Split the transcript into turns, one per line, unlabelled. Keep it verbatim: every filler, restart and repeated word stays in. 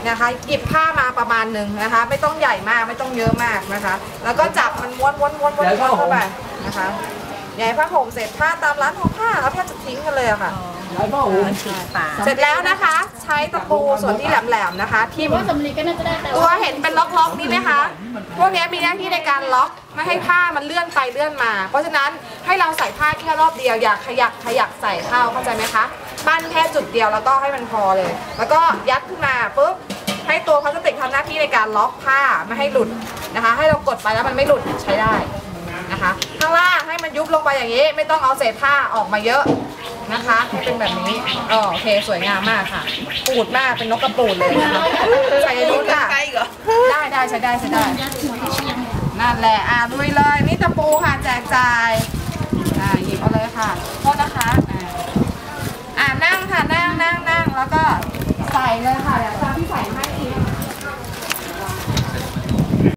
นะคะหยิบผ้ามาประมาณหนึ่งนะคะไม่ต้องใหญ่มากไม่ต้องเยอะมากนะคะแล้วก็จับมันม้วนม้วนม้วนม้วนเข้าไปนะคะใหญ่ผ้าห่มเสร็จผ้าตามร้านทอผ้าเขาแทบจะทิ้งกันเลยอะค่ะเสร็จแล้วนะคะใช้ตะปูส่วนที่แหลมๆนะคะที่ว่าสำลีก็น่าจะได้ตัวเห็นเป็นล็อกๆนี่ไหมคะพวกนี้มีหน้าที่ในการล็อกไม่ให้ผ้ามันเลื่อนไปเลื่อนมาเพราะฉะนั้นให้เราใส่ผ้าแค่รอบเดียวอย่าขยักขยักใส่เข้าเข้าใจไหมคะปั้นแค่จุดเดียวแล้วก็ให้มันพอเลยแล้วก็ยัดขึ้นมาปุ๊บให้ตัวพลาสติกทำหน้าที่ในการล็อกผ้าไม่ให้หลุดนะคะให้เรากดไปแล้วมันไม่หลุดใช้ได้นะคะข้างล่างให้มันยุบลงไปอย่างนี้ไม่ต้องเอาเศษผ้าออกมาเยอะนะคะให้เป็นแบบนี้อ๋อโอเคสวยงามมากค่ะปูดมากเป็นนกกระปูดเลยนะคะใส่นู้นค่ะได้ได้ใช้ได้ใช้ได้นั่นแหละอ่าลุยเลยนี่ตะปูค่ะแจกจ่ายอ่าหยิบเอาเลยค่ะโทษนะคะอ่าอ่านั่งค่ะนั่งนั่งนั่งแล้วก็ใส่เลย